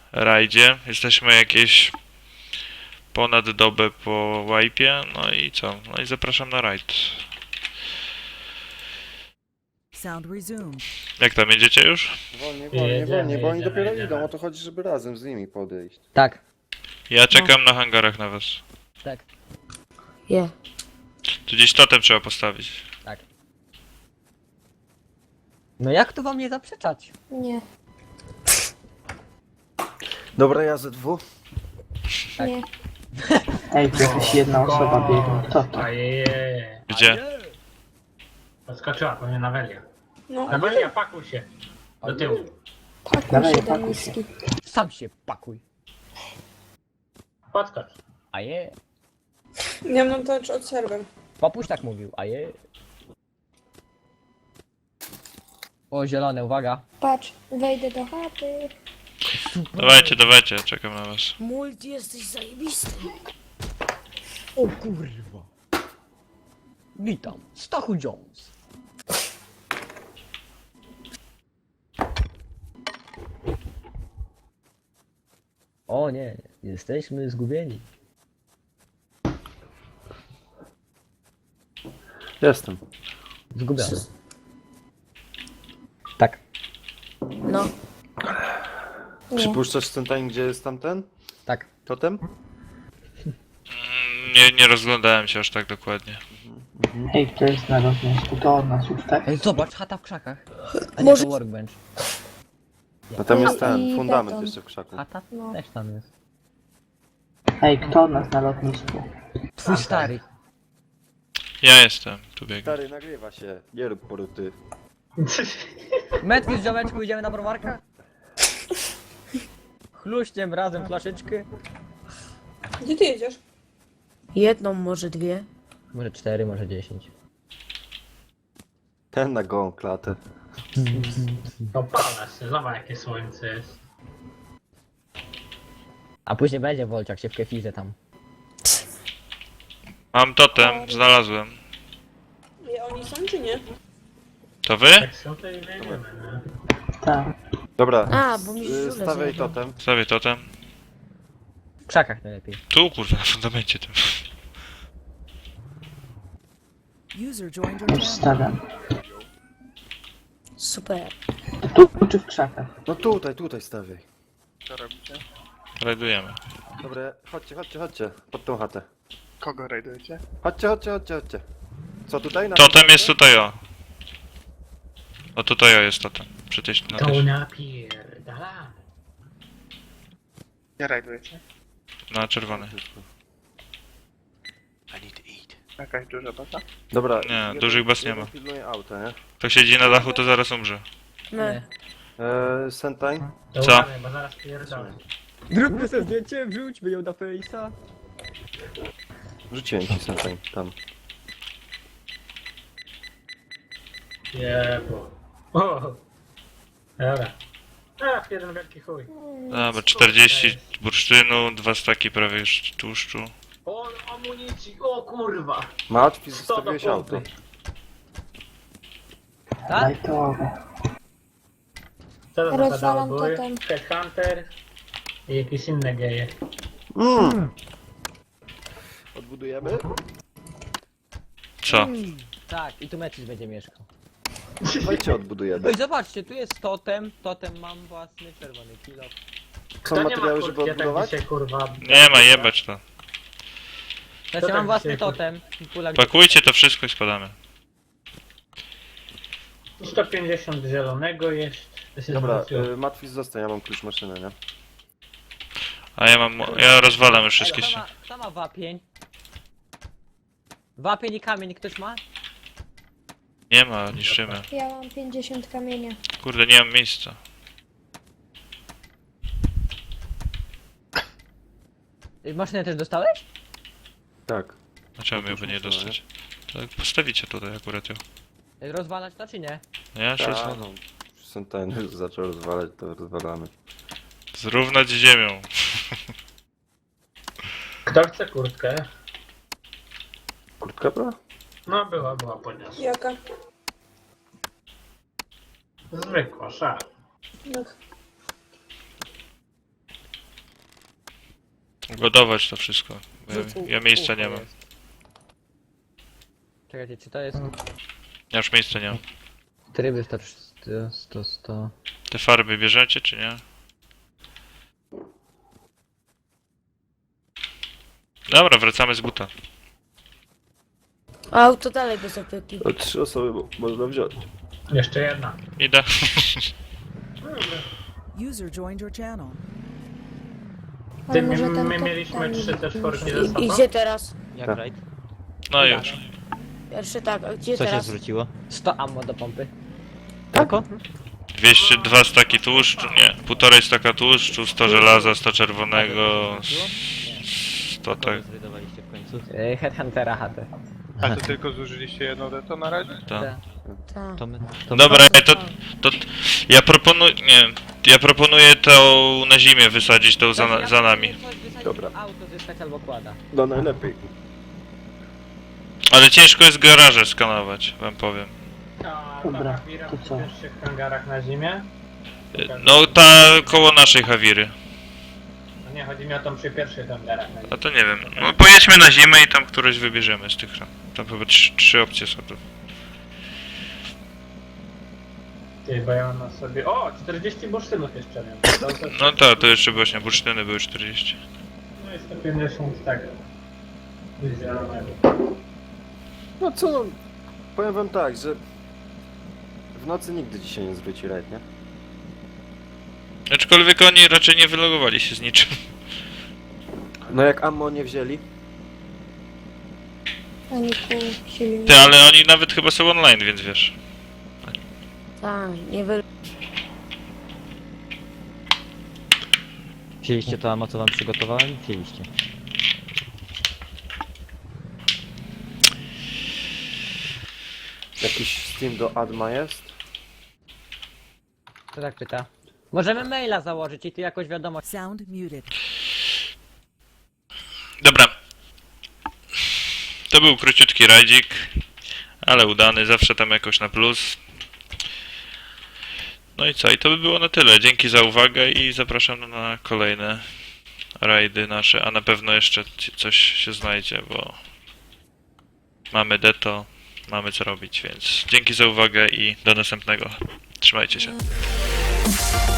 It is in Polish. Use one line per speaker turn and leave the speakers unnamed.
rajdzie. Jesteśmy jakieś ponad dobę po wipe'ie, no i co? No i zapraszam na rajd.
Sound resumed.
Jak tam jedziecie już?
Wolniej, bo oni dopiero
jedziemy.
idą, o to chodzi, żeby razem z nimi podejść.
Tak,
Ja czekam na hangarach na was.
tak,
Je.
Tu gdzieś totem trzeba postawić.
tak. No jak tu wam nie zaprzeczać?
Nie,
Dobra, ja ZW.
Tak.
nie.
Ej, tu jakaś jedna osoba biegnie. Kto to?
Ajeje.
Gdzie?
Podskoczyła pewnie na Welia.
No,
Na Welia, pakuj się. Do tyłu.
pakuj
Dawaj,
się do
pakuj
miski.
Sam się pakuj.
Podskocz.
A je.
Nie mam to od serwer.
Papuś tak mówił, a je. O, zielone, uwaga.
Patrz, wejdę do chaty.
Dawajcie, dawajcie, czekam na was.
Multi, jesteś zajebisty.
O kurwa. Witam, Stachu Jones. O nie, jesteśmy zgubieni.
Jestem.
Zgubiony. Tak,
No. Nie.
Przypuszczasz ten time, gdzie jest tamten?
tak.
Totem?
Nie rozglądałem się aż tak dokładnie.
Ej, kto jest na lotnisku? To od nas już, tak?
Ej, zobacz, chata w krzakach. A nie
Może-
to workbench.
No tam
No
jest ten,
i
fundament
beton.
jeszcze w krzaku.
Chata
No.
też tam jest.
Ej, kto od nas na lotnisku?
Twój stary.
Ja jestem, tu biegam.
Stary, nagrywa się. Nie rób poruty.
Metki z ziomeczku, idziemy na browarka? Chluśniem razem flaszeczkę.
Gdzie ty jedziesz?
Jedną, może dwie.
Może 4, może 10.
Ten na gołą klatę.
Opala się, zobacz jakie słońce jest.
A później będzie Wolciak się w kefirze tam.
Mam totem, znalazłem.
I oni są czy nie?
To wy?
Jak są to i jedziemy, no.
Tak.
Dobra,
A, bo mi żule
stawiaj
zajebał.
totem.
Stawię totem.
W krzakach najlepiej.
Tu kurwa, na fundamencie tym.
User joined your
Już
channel.
stawiam.
Super.
Tu czy w krzakach?
No tutaj stawiaj.
Rajdujemy.
Dobra, chodźcie. Pod tą chatę.
Kogo rajdujecie?
Chodźcie. Co tutaj? Na
Totem jest tutaj o. O tutaj o jest totem. Przy tej na
To
tej,
napierdala.
Nie rajdujecie?
na czerwony.
Jakaś duża baza?
Dobra.
Nie, dużych baz nie ma.
Pilnuje auta, nie?
Kto siedzi na dachu, to zaraz umrze.
Nie.
Sentai?
To
Co?
uważaj, bo zaraz pierdolę.
Zróbmy sobie zdjęcie, wrzućmy ją na Face'a.
Rzuciłem ci Sentai, tam.
Jebo. O. Dobra. A, jeden wielki chuj.
Dobra, 40 bursztynu, 2 staki prawie już tłuszczu.
O, amunicji, o kurwa.
Matwi,
100 do
zostawiłeś auto.
pompy.
Tak?
Lajtowe.
Co to za
Rozwalam
pedały były?
totem.
Headhunter i jakieś inne geje.
Odbudujemy?
Co?
Tak, i tu Metis będzie mieszkał.
Dawajcie odbudujemy.
Ej, zobaczcie, tu jest totem. Totem mam własny, czerwony kilo.
Są
nie ma
materiały, żeby
kurtki, ja tak
odbudować?
dzisiaj, kurwa,
Nie ma, jebać to.
Znaczy,
tak
mam własny
dzisiaj,
totem. Pula gdzie...
Pakujcie to wszystko i spadamy.
150 zielonego jest. To się
Dobra,
zwróciło.
Matwis zostań, ja mam klucz maszyny, nie?
A ja rozwalam już wszystkie
Kto
się.
ma, kto ma wapień? Wapień i kamień ktoś ma?
Nie ma, niszczymy.
Ja mam 50 kamienia.
Kurde, nie mam miejsca.
Maszynę też dostałeś?
Tak.
Dlaczego miałby nie dostać? Tak, postawicie tutaj akurat ją.
Rozwalać to czy nie?
No ja się
Tak,
rozwalam.
no. Sentai już zaczął rozwalać, to rozwalamy.
Zrównać z ziemią.
Kto chce kurtkę?
Kurtka była?
No była podniosła.
Jaka?
Zwykła, szara.
No,
Ugodować to wszystko. Bo ja miejsca nie mam.
Czekajcie, czy to jest
Ja już miejsca nie mam.
tryby 100.
Te farby bierzecie, czy nie? Dobra, wracamy z buta.
Auto dalej bez opieki.
To 3 osoby można wziąć.
Jeszcze jedna.
Idę.
User joined your channel.
Ty,
Ale może ten
my
to-
mieliśmy
ten-
3 te czwórki ze
I,
sobą.
gdzie teraz?
Jak
Tak.
rajd?
No już.
Pierwszy tak, a gdzie teraz?
zwróciło? 100 ammo do pompy. Tylko?
202 staki tłuszczu, nie. 1,5 staka tłuszczu, 100 żelaza, 100 czerwonego, 100 tak.
Zrydowaliście w końcu? Headhuntera HT.
A to tylko zużyliście jedno deto na razie?
Tak.
Tak.
Dobra, to ja proponuję, nie, ja proponuję to na zimie wysadzić, to za nami.
Dobra.
Auto zyskać albo kłada.
No najlepiej.
Ale ciężko jest garaże skanować, wam powiem.
A
Dobra,
ta Hawira
to
w
co?
pierwszych hangarach na zimie?
No ta koło naszej Hawiry.
No nie, chodzi mi o tą przy pierwszych hangarach na zimie.
A to nie wiem. No pojedźmy na zimę i tam któreś wybierzemy z tych. Tam chyba trzy opcje są tu.
Ty, bo ja mam na sobie... O, 40 bursztynów jeszcze miałem.
No tak, to jeszcze właśnie bursztyny były 40.
No i 150 tego. Zielonego.
No co no, powiem wam tak, że w nocy nigdy dzisiaj nie zwróci rajd, nie?
Aczkolwiek oni raczej nie wylogowali się z niczym.
No jak ammo nie wzięli,
Ani pół silnika.
Ty, ale oni nawet chyba są online, więc wiesz.
Tak, nie wy...
Wzięliście to ammo, co wam przygotowałem? Wzięliście.
jakiś Steam do Adma jest?
Kto tak pyta? Możemy maila założyć i tu jakoś wiadomo.
Sound muted.
Dobra. To był króciutki rajdzik, ale udany, zawsze tam jakoś na plus. No i co? I to by było na tyle. Dzięki za uwagę i zapraszam na kolejne rajdy nasze, a na pewno jeszcze coś się znajdzie, bo mamy deto, mamy co robić, więc dzięki za uwagę i do następnego. Trzymajcie się.